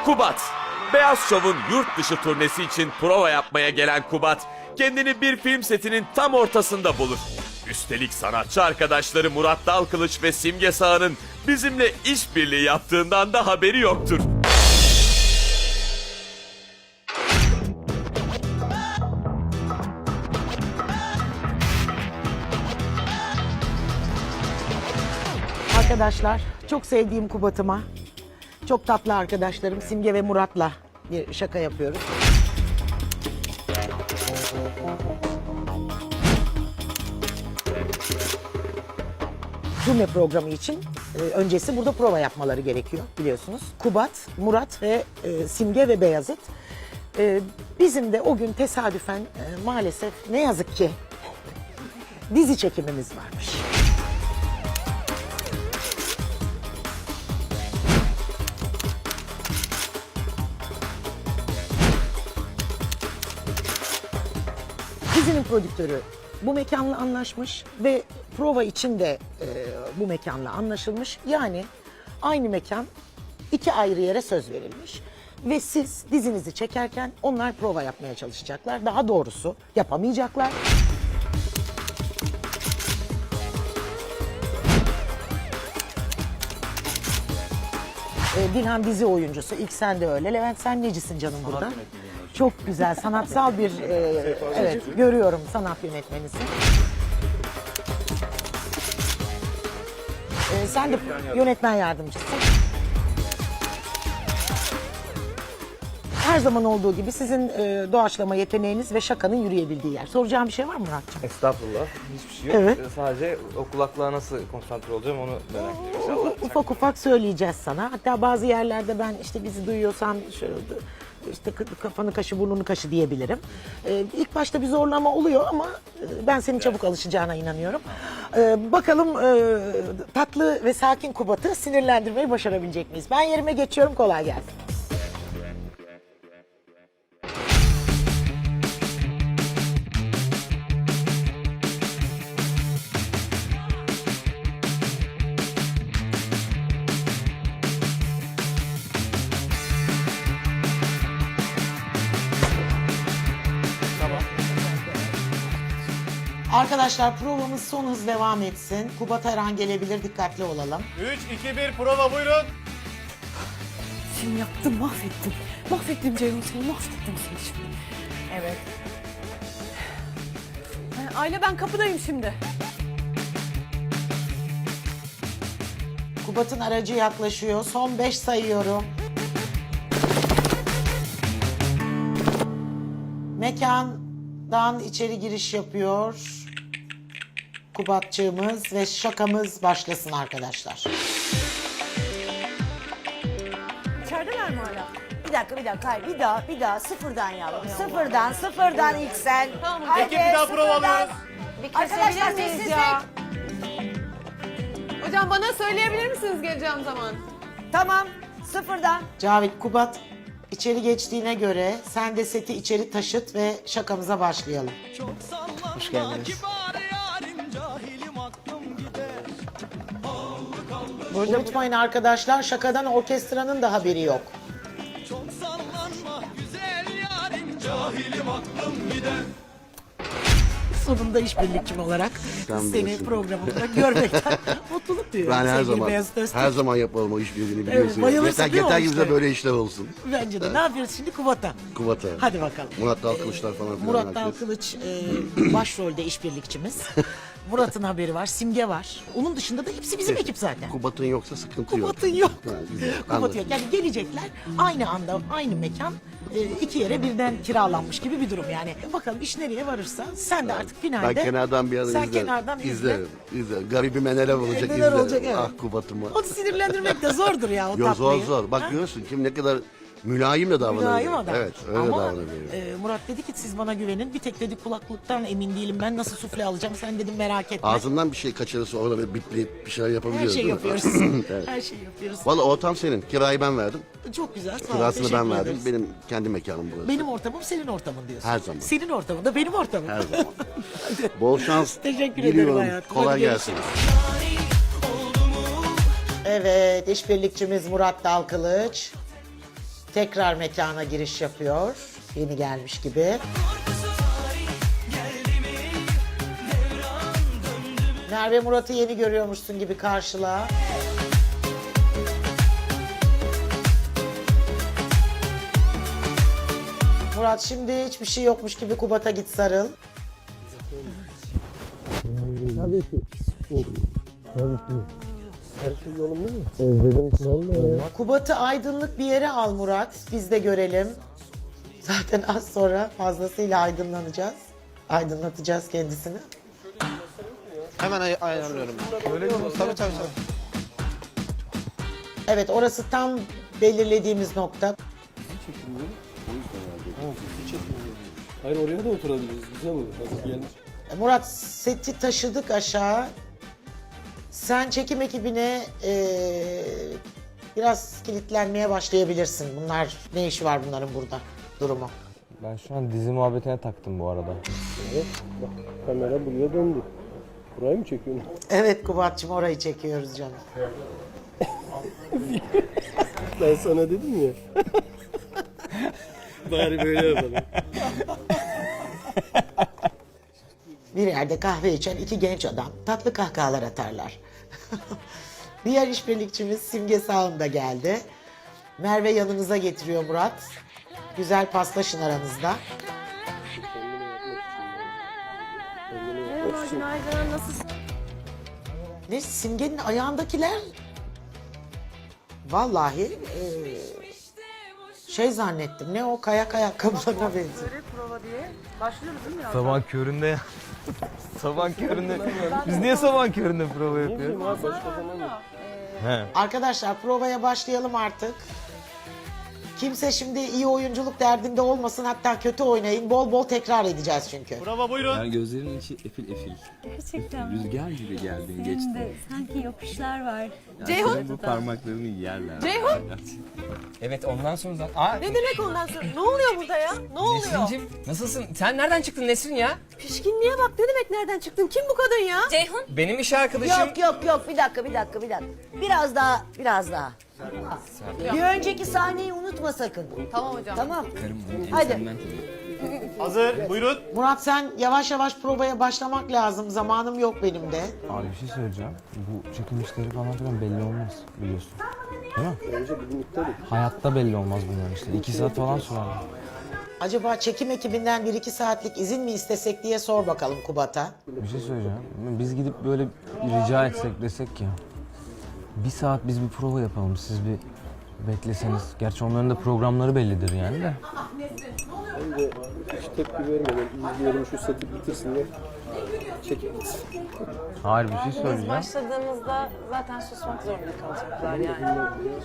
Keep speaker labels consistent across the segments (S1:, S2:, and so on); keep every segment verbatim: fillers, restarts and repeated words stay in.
S1: Kubat. Beyaz Şov'un yurt dışı turnesi için prova yapmaya gelen Kubat, kendini bir film setinin tam ortasında bulur. Üstelik sanatçı arkadaşları Murat Dalkılıç ve Simge Sağ'ın bizimle işbirliği yaptığından da haberi yoktur.
S2: Arkadaşlar, çok sevdiğim Kubat'ıma, çok tatlı arkadaşlarım Simge ve Murat'la bir şaka yapıyoruz. Turne programı için e, öncesi burada prova yapmaları gerekiyor biliyorsunuz. Kubat, Murat ve e, Simge ve Beyazıt. E, bizim de o gün tesadüfen e, maalesef ne yazık ki dizi çekimimiz varmış. Dizinin prodüktörü bu mekanla anlaşmış ve prova için de e, bu mekanla anlaşılmış. Yani aynı mekan iki ayrı yere söz verilmiş. Ve siz dizinizi çekerken onlar prova yapmaya çalışacaklar. Daha doğrusu yapamayacaklar. E, Dilhan dizi oyuncusu, ilk sen de öyle. Levent sen necisin canım burada? Çok güzel, sanatsal bir, e, evet görüyorum sanat yönetmenisin. E, sen de yönetmen yardımcısın. Her zaman olduğu gibi sizin e, doğaçlama yeteneğiniz ve şakanın yürüyebildiği yer. Soracağım bir şey var mı Muratcığım?
S3: Estağfurullah. Hiçbir şey yok.
S2: Evet.
S3: Ee, Sadece o kulaklığa nasıl konsantre olacağım onu merak ediyorum inşallah.
S2: Ufak ufak söyleyeceğiz sana. Hatta bazı yerlerde ben işte bizi duyuyorsan şöyle işte kafanı kaşı burnunu kaşı diyebilirim. Ee, ilk başta bir zorlama oluyor ama e, ben senin çabuk alışacağına inanıyorum. Ee, bakalım e, tatlı ve sakin Kubat'ı sinirlendirmeyi başarabilecek miyiz? Ben yerime geçiyorum, kolay gelsin. Arkadaşlar provamız son hız devam etsin. Kubat her an gelebilir, dikkatli olalım.
S3: üç, iki, bir prova buyurun.
S4: Seni yaptım, mahvettim. Mahvettim Ceyhun seni, mahvettim seni şimdi. Evet. Ha, Aile ben kapıdayım şimdi.
S2: Kubat'ın aracı yaklaşıyor. Son beş sayıyorum. Mekandan içeri giriş yapıyor Kubatçığımız ve şakamız başlasın arkadaşlar.
S4: İçerideler mi hala?
S5: Bir dakika bir dakika hayır bir daha bir daha sıfırdan yavrum. Sıfırdan sıfırdan ilk sen.
S4: Tamam.
S5: Haydi,
S3: Ekip bir daha
S5: sıfırdan.
S3: prova alıyoruz.
S5: Arkadaşlar
S4: Kesebilir miyiz
S5: sessizlik.
S4: ya? Hocam bana söyleyebilir misiniz geleceğim zaman?
S5: Tamam sıfırdan.
S2: Cavit, Kubat içeri geçtiğine göre sen de seti içeri taşıt ve şakamıza başlayalım.
S6: Hoş geldiniz.
S2: Unutmayın arkadaşlar, şakadan orkestranın da haberi yok. Sonunda işbirlikçim olarak
S6: Sen
S2: seni
S6: bilirsin.
S2: programımda görmekten mutluluk duyuyorum.
S6: Ben her
S2: sevgili
S6: zaman
S2: Beyazıt Öztürk.
S6: her zaman yapalım o işbirliğini biliyorsun.
S2: bayılırsın
S6: yeter
S2: değil mi
S6: yeter
S2: o
S6: ki bize
S2: işlere?
S6: böyle işler olsun.
S2: Bence de. Ne yapıyoruz şimdi? Kubat'a.
S6: Kubat'a.
S2: Hadi bakalım.
S6: Murat Dalkılıçlar falan filan.
S2: Murat
S6: herkes.
S2: Dalkılıç e, başrolde işbirlikçimiz. Murat'ın haberi var, Simge var. Onun dışında da hepsi bizim ekip zaten.
S6: Kubat'ın yoksa sıkıntı yok.
S2: Kubat'ın yok.
S6: Ha, güzel.
S2: Kubat
S6: Anladım.
S2: yok. Yani gelecekler aynı anda, aynı mekan e, iki yere birden kiralanmış gibi bir durum yani. Bakalım iş nereye varırsa sen de artık finalde.
S6: Ben kenardan bir ara
S2: Sen
S6: izlerim.
S2: kenardan izle.
S6: izlerim. izlerim. Garibime neler olacak
S2: neler
S6: izlerim.
S2: olacak, evet.
S6: Ah Kubat'ıma.
S2: Onu sinirlendirmek de zordur ya o
S6: Yo, zor
S2: tatlıyı.
S6: zor. Bak
S2: Ha?
S6: görüyorsun kim ne kadar mülayim de davranıyor.
S2: Mülayim adam.
S6: Evet öyle
S2: Ama
S6: davranıyor.
S2: e, Murat dedi ki siz bana güvenin. Bir tek dedi kulaklıktan emin değilim. Ben nasıl sufle alacağım? Sen dedim merak etme.
S6: Ağzından bir şey kaçırırsa orada bir bipleyip bir şeyler
S2: Her
S6: yapabiliyoruz
S2: şey
S6: değil mi?
S2: yapıyoruz.
S6: Evet.
S2: Her şey yapıyoruz.
S6: Valla ortam senin. Kirayı ben verdim.
S2: Çok güzel. Sağ ol.
S6: Kirasını
S2: teşekkür
S6: ben verdim.
S2: ederiz.
S6: Benim kendi mekanım burası.
S2: Benim ortamım senin ortamın diyorsun.
S6: Her zaman.
S2: Senin ortamın da benim ortamım.
S6: Her zaman. Bol şans.
S2: Teşekkür ederim
S6: diliyorum.
S2: hayatım.
S6: Kolay
S2: Hadi
S6: gelsin.
S2: Evet, işbirlikçimiz Murat Dalkılıç. tekrar mekana giriş yapıyor. Yeni gelmiş gibi. Merve Murat'ı yeni görüyormuşsun gibi karşıla. Murat şimdi hiçbir şey yokmuş gibi Kubat'a git sarıl. Kubat'ı aydınlık bir yere al Murat. Biz de görelim. Zaten az sonra fazlasıyla aydınlanacağız. Aydınlatacağız kendisini.
S3: Hemen ay- ayarlıyorum. Öyle mi? Tabii tabii tabii.
S2: Evet, orası tam belirlediğimiz nokta.
S7: Hayır oraya da oturabiliriz. Güzel olur. Hadi gelmiş.
S2: Murat, seti taşıdık aşağı. Sen çekim ekibine eee, biraz kilitlenmeye başlayabilirsin. Bunlar, ne işi var bunların burada durumu?
S3: Ben şu an dizi muhabbetine taktım bu arada.
S7: Evet. Bak kamera buraya döndü. Burayı mı çekiyorsun?
S2: Evet Kubat'cığım, orayı çekiyoruz canım.
S7: Ben sana dedim ya. Bari böyle yapalım.
S2: Bir yerde kahve içen iki genç adam tatlı kahkahalar atarlar. Diğer işbirlikçimiz Simge Sağım da geldi. Merve yanınıza getiriyor Murat. Güzel paslaşın aranızda.
S4: Merhaba, günaydın. Nasılsın?
S2: Ne, Simge'nin ayağındakiler vallahi eee, şey zannettim. Ne o, kayak ayakkabılarına benziyor.
S4: Prova diye. Başlıyoruz değil mi ya?
S3: Sabah köründe ya. Sabah köründe. Biz niye sabah köründe prova yapıyoruz?
S7: Abi başka zaman yok.
S3: He.
S2: Arkadaşlar provaya başlayalım artık. Kimse şimdi iyi oyunculuk derdinde olmasın, hatta kötü oynayın. Bol bol tekrar edeceğiz çünkü.
S8: Yani gözlerinin içi efil efil.
S9: Gerçekten mi?
S8: Rüzgar gibi geldin
S9: Senin
S8: geçtin.
S9: de sanki yokuşlar var.
S8: Yani
S4: Ceyhun!
S8: senin bu parmaklarını yerler.
S4: Ceyhun!
S10: Evet ondan sonra zaten... Aa,
S4: Ne demek ondan sonra? Ne oluyor burada ya? Ne oluyor?
S10: Nesrin'cim nasılsın? Sen nereden çıktın Nesrin ya?
S4: Pişkinliğe bak, ne demek nereden çıktın? Kim bu kadın ya?
S9: Ceyhun,
S10: Benim iş arkadaşım...
S5: Yok yok yok, bir dakika bir dakika bir dakika. Biraz daha biraz daha. Bir önceki sahneyi unutma sakın.
S4: Tamam hocam.
S5: Tamam.
S10: Karım benim
S5: Hadi.
S10: ensemden tabii.
S3: Hazır. Buyurun.
S2: Murat, sen yavaş yavaş provaya başlamak lazım. Zamanım yok benim de.
S3: Abi bir şey söyleyeceğim. Bu çekim işleri falan filan belli olmaz biliyorsun. Değil mi?
S7: Önce bugün iptal et.
S3: Hayatta belli olmaz bunların işte. İki saat falan sürer.
S2: Acaba çekim ekibinden bir iki saatlik izin mi istesek diye sor bakalım Kubat'a.
S3: Bir şey söyleyeceğim. Biz gidip böyle rica etsek desek ki bir saat biz bir prova yapalım, siz bir bekleseniz. Gerçi onların da programları bellidir yani de.
S7: Önce hiç tepki vermeden izleyelim şu seti bitirsinler. Çekip gitsin.
S3: Hayır, bir şey söyleyeceğim.
S4: Başladığımızda zaten susmak zorunda kalacaklar yani.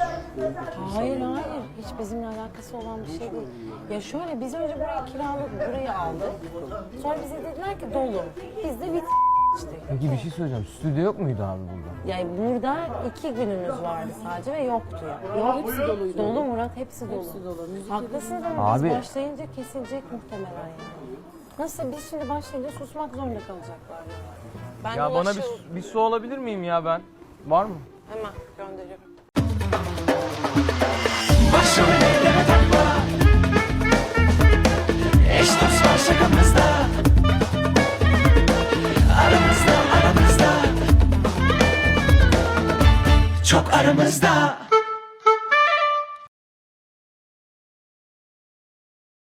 S4: Hayır hayır, hiç bizimle alakası olan bir şey değil. Ya şöyle, biz önce burayı kiraladık, burayı aldık. Sonra bize dediler ki dolu. Biz de bit işte.
S3: Peki bir şey söyleyeceğim. Stüdyo yok muydu abi burada?
S4: Yani burada iki gününüz vardı sadece ve yoktu ya. Yok, hepsi doluydu. Dolu Murat, hepsi dolu. Hepsi dolu. Haklısınız ama
S3: Abi-
S4: biz başlayınca kesilecek muhtemelen yani. Nasıl, biz şimdi başlayınca susmak zorunda kalacaklar yani. Ben
S3: Ya bana
S4: ulaşır-
S3: bir, bir su alabilir miyim ya ben? Var mı?
S4: Hemen gönderiyorum.
S11: Başrollere takma. Eş dost var şakamızda. Aramızda aramızda. Çok aramızda.